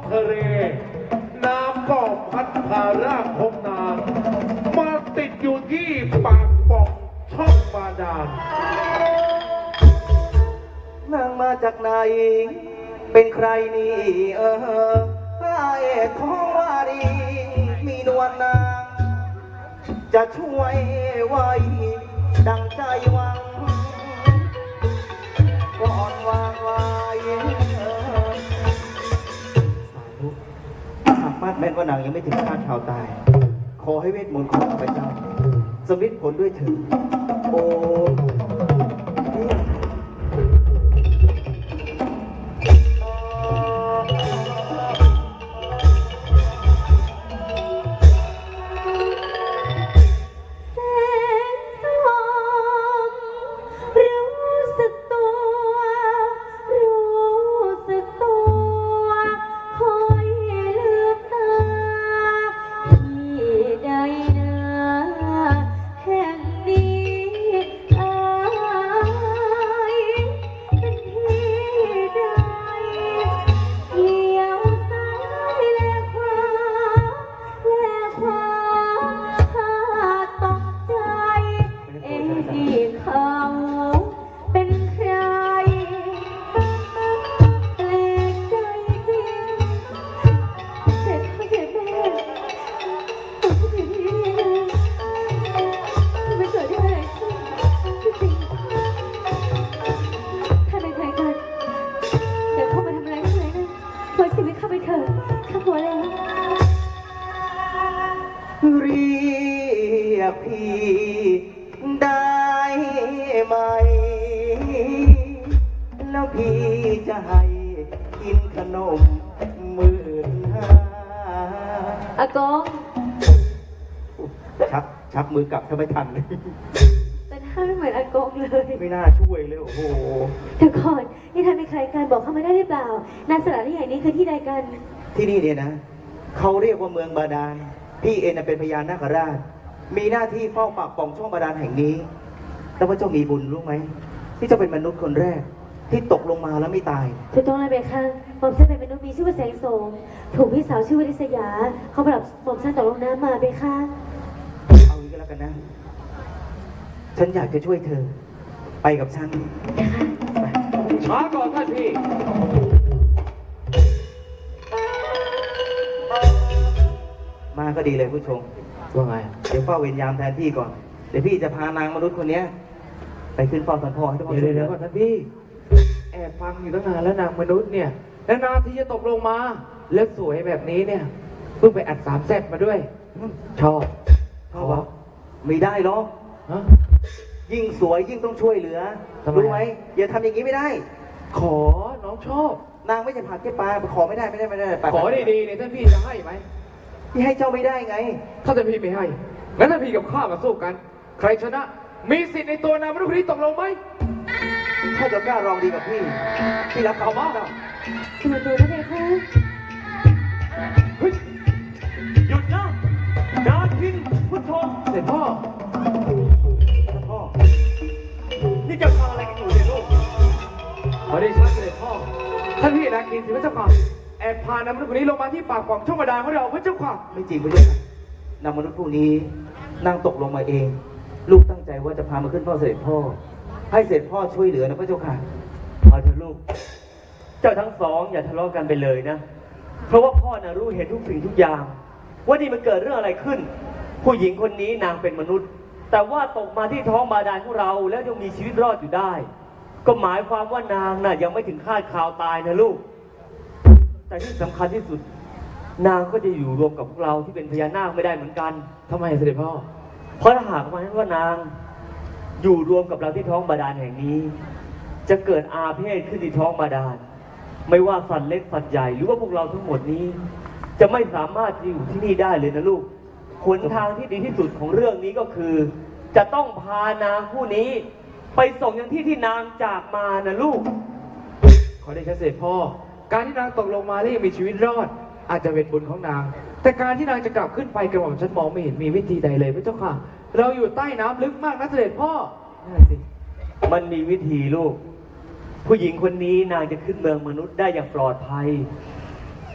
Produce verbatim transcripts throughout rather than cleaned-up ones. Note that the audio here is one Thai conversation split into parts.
ทะเลน้ำก็พัดพาร่างของนางมาติดอยู่ที่ปากป่องช่องบาดาลนางมาจากไหนเป็นใครนี่เออพระเอกของวารีมีนวลนางจะช่วยไว้ดังใจหวังก่อนวางไว้หากมาดแม้นว่านางยังไม่ถึงคาดข่าวตายขอให้เวทมนต์ของข้าพเจ้าสำเร็จผลด้วยเถิดโอ้เรียกพี่ได้ไหมแล้วพี่จะให้กินขนมหมื่นห้าอากงชักชักมือกลับถ้าไม่ทันเลยแต่ท่านไม่เหมือนอากงเลยไม่น่าช่วยเลยโอ้โหแต่ก่อนนี่ท่านเป็นใครกันบอกเขาไม่ได้หรือเปล่านาสถานที่แห่งนี้คือที่ใดกันที่นี่เนี่ยนะเขาเรียกว่าเมืองบาดาลพี่เองเป็นพญานาคราชมีหน้าที่เฝ้าปากป่องช่องบาดาลแห่งนี้แต่ว่าเจ้ามีบุญรู้ไหมที่เจ้าเป็นมนุษย์คนแรกที่ตกลงมาแล้วไม่ตายถูกต้องเลยเบค่ะหม่อมฉันเป็นมนุษย์มีชื่อว่าแสงโสมถูกพี่สาวชื่อว่าลิศยาเขาปรับหม่อมฉันตกลงน้ำมาเบค่ะเอางี้ก็แล้วกันนะฉันอยากจะช่วยเธอไปกับฉันช้าก่อนท่านพี่มาก็ดีเลยผู้ชมว่าไงเดี๋ยวเฝ้าเวรยามแทนพี่ก่อนเดี๋ยวพี่จะพานางมนุษย์คนนี้ไปขึ้นเฝ้าท่านพ่อให้ท่านพ่อเดี๋ยวเดี๋ยวก่อนท่านพี่แอบฟังอยู่ตั้งนานแล้วนางมนุษย์เนี่ยแล้วนางที่จะตกลงมาแล้วสวยแบบนี้เนี่ยเพิ่งไปอัดสามแซ่บมาด้วยชอบชอบวะไม่ได้หรอกยิ่งสวยยิ่งต้องช่วยเหลือรู้ไหมอย่าทำอย่างนี้ไม่ได้ขอน้องชอบนางไม่จะผ่านแค่ปลาขอไม่ได้ไม่ได้ไม่ได้ขอดีๆเนี่ยท่านพี่จะให้ไหมพี่ให้เจ้าไม่ได้ไงถ้าท่านพี่ไม่ให้งั้นท่านพี่กับข้ามาสู้กันใครชนะมีสิทธิ์ในตัวนางมนุษย์คนนี้ตกลงไหมถ้าจะกล้ารองดีกับพี่พี่รับเขาบ้างทำไมตัวนั้นเองคะหยุดนะดาทินพุทโธเสด็จพ่อพ่อนี่จะทำอะไรกันอยู่เนี่ยลูกขอได้ชัดเสด็จพ่อท่านพี่นาคินสิพระเจ้าค่ะแอบพานางมนุษย์คนนี้ลงมาที่ปากป่องช่องบาดาลของเราพระเจ้าค่ะไม่จริงพระเจ้าค่ะนางมนุษย์ผู้นี้นั่งตกลงมาเองลูกตั้งใจว่าจะพามาขึ้นเฝ้าเสด็จพ่อให้เสด็จพ่อช่วยเหลือนะพระเจ้าค่ะเอาเถอะลูกเจ้าทั้งสองอย่าทะเลาะกันไปเลยนะเพราะว่าพ่อน่ะรู้เห็นทุกสิ่งทุกอย่างว่านี่มันเกิดเรื่องอะไรขึ้นผู้หญิงคนนี้นางเป็นมนุษย์แต่ว่าตกมาที่ท้องบาดาลของเราแล้วยังมีชีวิตรอดอยู่ได้ก็หมายความว่านางน่ะยังไม่ถึงคาดข่าวตายนะลูกแต่ที่สำคัญที่สุดนางก็จะอยู่รวมกับพวกเราที่เป็นพญานาคไม่ได้เหมือนกันทำไมเสด็จพ่อเพราะถ้าหากว่าว่านางอยู่รวมกับเราที่ท้องบาดาลแห่งนี้จะเกิดอาเพศขึ้นที่ท้องบาดาลไม่ว่าสัตว์เล็กสัตว์ใหญ่หรือว่าพวกเราทั้งหมดนี้จะไม่สามารถอยู่ที่นี่ได้เลยนะลูกหนทางที่ดีที่สุดของเรื่องนี้ก็คือจะต้องพานางผู้นี้ไปส่งยังที่ที่นางจากมานะลูกขอได้ชัดเจนพ่อการที่นางตกลงมาแล้วยังมีชีวิตรอดอาจจะเป็นบุญของนางแต่การที่นางจะกลับขึ้นไปกระหม่อมฉันมองไม่เห็นมีวิธีใดเลยพระเจ้าค่ะเราอยู่ใต้น้ำลึกมากนะเสด็จพ่อนั่นสิมันมีวิธีลูกผู้หญิงคนนี้นางจะขึ้นเมืองมนุษย์ได้อย่างปลอดภัย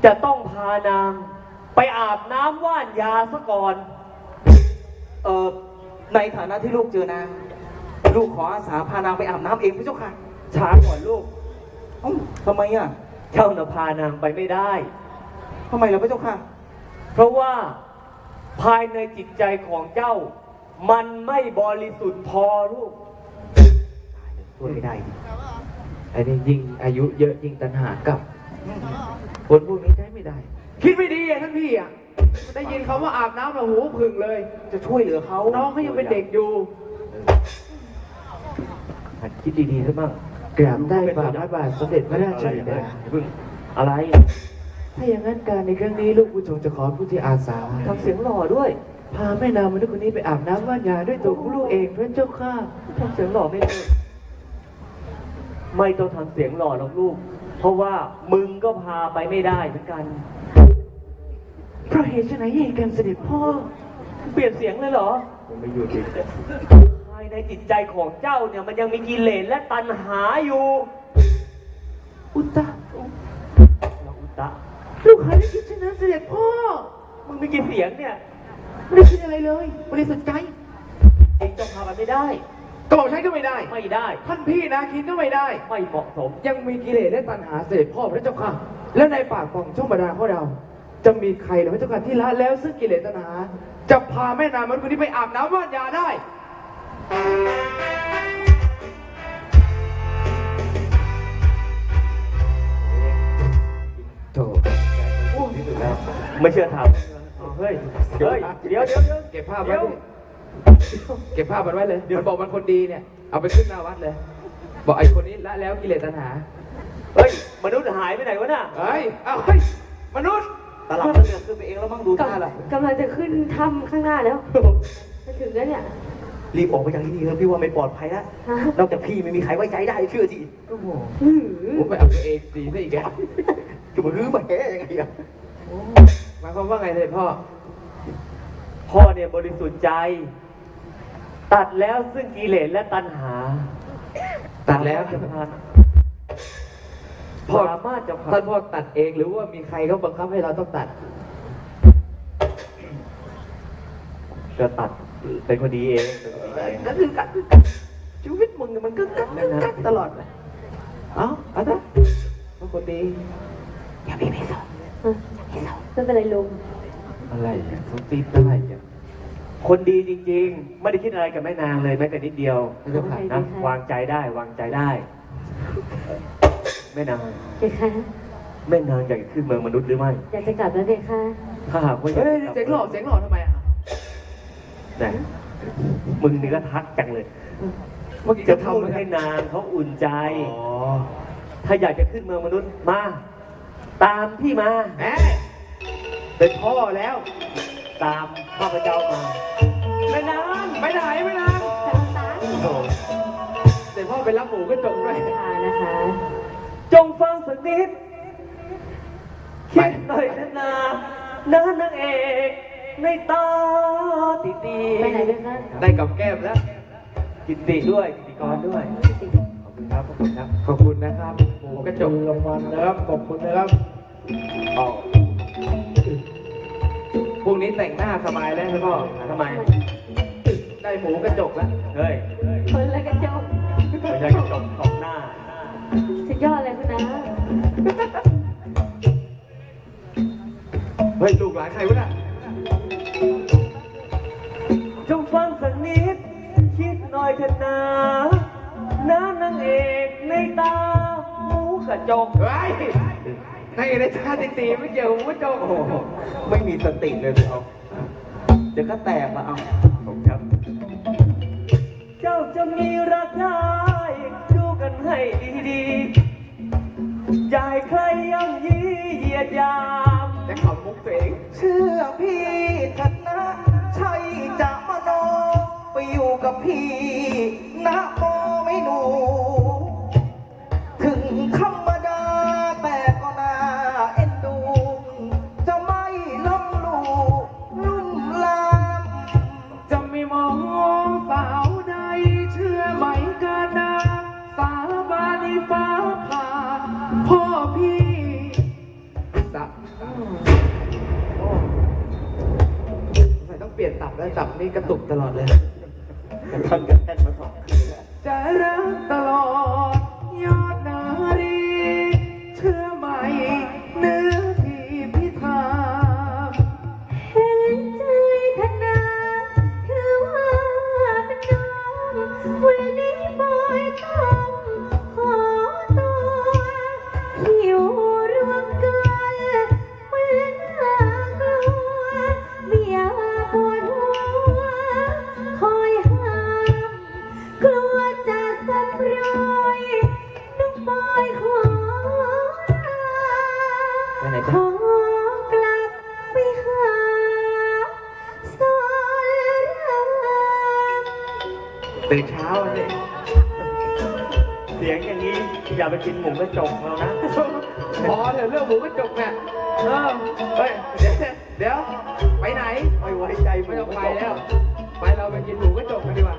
จะต้องพานางไปอาบน้ำว่านยาซะก่อนเออในฐานะที่ลูกเจอนาง ลูกขออาสาพานางไปอาบน้ำเองพระเจ้าค่ะช้าก่อนลูกเอ้าทำไมอ่ะเจ้าน่ะพานางไปไม่ได้ทำไมล่ะพระเจ้าค่ะเพราะว่าภายในจิตใจของเจ้า มันไม่บริสุทธิ์พอลูกช่วยไม่ได้ไอ้นี่ยิ่งอายุเยอะยิ่งตัณหากลับคนพวกนี้ใช้ไม่ได้ คิดไม่ดีอ่ะท่านพี่อ่ะได้ยินคำว่าอาบน้ำแล้วหูผึ่งเลยจะช่วยเหลือเขาน้องเขายังเป็นเด็กอยู่หัดคิดดีๆซะบ้างกราบได้ฝ่าพระบาทสมเด็จพระราชบิดาเพิ่งอะไรถ้าอย่างนั้นการในครั้งนี้ลูกผู้ชมจะขอผู้ที่อาสาทำเสียงหล่อด้วยพาแม่นางมนุษย์คนนี้ไปอาบน้ำว่านยาด้วยตัวของลูกเองพระเจ้าค่ะทำเสียงหล่อไม่ได้ไม่ต้องทำเสียงหล่อหรอกลูก เพราะว่ามึงก็พาไปไม่ได้เหมือนกันเพราะเหตุไฉนเหตุการเสด็จพ่อเปลี่ยนเสียงเลยเหรอผมไม่อยู่จริงภายในจิตใจของเจ้าเนี่ยมันยังมีกิเลสและตัณหาอยู่อุตตะเราอุตตะลูกหาได้คิดเช่นนั้นเสด็จพ่อมึงมีกี่เสียงเนี่ยไม่ได้คิดอะไรเลยบริสุทธิ์ใจเองต้องพาไปไม่ได้กระบอกใช้ก็ไม่ได้ไม่ได้ท่านพี่นาคินก็ไม่ได้ไม่เหมาะสมยังมีกิเลสและตัณหาเสด็จพ่อพระเจ้าค่ะ แล้วในปากของช่องบาดาลของเรา จะมีใครหรือพระเจ้าค่ะที่ละแล้วซึ่งกิเลสตัณหา จะพาแม่นางมนุษย์คนนี้ไปอาบน้ำว่านยาได้โถที่สุดแล้ว ไม่เชื่อถามเอาเฮ้ย เฮ้ย เดี๋ยวเดี๋ยวเดี๋ยวเก็บภาพไว้เดี๋ยวดิเก็บภาพมันไว้เลยเดี๋ยวบอกมันคนดีเนี่ย เอาไปขึ้นหน้าวัดเลย บอกไอ้คนนี้ละแล้วกิเลสตัณหาเฮ้ย มนุษย์หายไปไหนวะน่ะเฮ้ย เอาเฮ้ย มนุษย์ตลับมันเลือกขึ้นไปเองแล้วมั่งดูท่าละกำลังจะขึ้นถ้ำข้างหน้าแล้วจะถึงแล้วเนี่ยรีบออกไปจากที่นี่เถอะพี่ว่าไม่ปลอดภัยแล้วฮะนอกจากพี่ไม่มีใครไว้ใจได้เชื่อทีโอ้โหหือผมไปเอาตัวเองดีซะอีกแกจะมารื้อมาแก้ยังไงอะหมายความว่าไงเลยพ่อพ่อเนี่ยบริสุทธิ์ใจ ตัดแล้วซึ่งกิเลสและตัณหาตัดแล้วจะพาพ่อสามารถจะพาท่านพ่อตัดเองหรือว่ามีใครเขาบังคับให้เราต้องตัดจะตัดเป็นคนดีเองเป็นคนดีเองก็คือกัดชีวิตมึงเนี่ยมันก็กัดกัดตลอดเลยเอ้าเอาเถอะพวกคนดีอย่าพี่ไม่สนไม่เป็นไรลุงอะไรเนี่ยทุบตีอะไรเนี่ยคนดีจริงๆ ไม่ได้คิดอะไรกับแม่นางเลยแม้แต่นิดเดียวไม่ต้องขาดนะวางใจได้วางใจได้แม่นางเด็กคะแม่นางอยากจะขึ้นเมืองมนุษย์หรือไม่อยากจะกลับแล้วเด็กคะถ้าหากว่าอยากเฮ้ยจะกลับเสียงหล่อเสียงหล่อทำไมอ่ะไหนมึงนี่ก็ทักจังเลยเมื่อกี้จะจะพูทำดไหมให้นางเขาอุ่นใจอ๋อถ้าอยากจะขึ้นเมืองมนุษย์มา ตามพี่มาแหมเป็นพ่อแล้วตามข้าพเจ้ามาแม่นางไปไหนไปไหนจะตาโอ้โหแต่พ่อไปรับหมูกระจกด้วยค่ะนะคะจงฟังสักนิดคิดหน่อยนะนาน้านางเอกในตาติตีไปไหนด้วยคะได้กับแก้มแล้วกิตติด้วยกิตติกรด้วย ขอบคุณครับ ขอบคุณครับขอบคุณนะครับหมูกระจกรางวัลนะครับ ขอบคุณนะครับอ๋อพรุ่งนี้แต่งหน้าสบายแล้วใช่พ่อทำไมได้หมูกระจกแล้วเฮ้ยคนละกระจกไม่ใช่กระจกตบหน้าสุดยอดเลยคุณนะเฮ้ย ลูกหลานใครวะน่ะจงฟังสักนิด คิดหน่อยเถอะนะน้านางเอกในตาหมูกระจกเฮ้ยในในชาติตีไม่เกี่ยวหมูกระจกโอ้โหไม่มีสติเลยเลยเอาเดี๋ยวก็แตกมาเอาผมครับ เจ้าจะมีรักได้ดูกันให้ดีๆอย่าให้ใครย่ำยีเหยียดยามจะขับมุกตัวเองเชื่อพี่เถัดนะ ใช่จะมโนไปอยู่กับพี่นะโมไม่หนู ถึงธรรมดาแต่ก็น่าเอ็นดู จะไม่ล้มลูลุ่มลามจะไม่มองสาวใดเชื่อไหมกันนะสาบานีฟ้าผ่าพ่อพี่สะโอ้สงสัยต้องเปลี่ยนตับแล้วตับนี่กระตุกตลอดเลยกันทันกันแท่นมาสองคืนแล้วจะรักตลอดยอดนารีเชื่อไหมเนื้อที่พิธาเห็นใจธนาคือว่าเป็นน้องวันนี้บอยต้องขอตัวหิวรวมกันมันน่ากลัวไม่อยากปวดหัวคอยห้ามกลัวจะสับรอยน้องบอยขอลาไปไหนขจ๊ะอกลับไปหาสอนรามตื่นเช้าเลยเสียงอย่างนี้อย่าไปกินหมูกระจกเรานะพอเถอะเรื่องหมูกระจกเนี่ยเออเฮ้ยเดี๋ยวเดี๋ยวไปไหนไม่ไว้ใจไม่ต้องไปแล้ว ไปเราไปกินหมูกระจกกันดีกว่า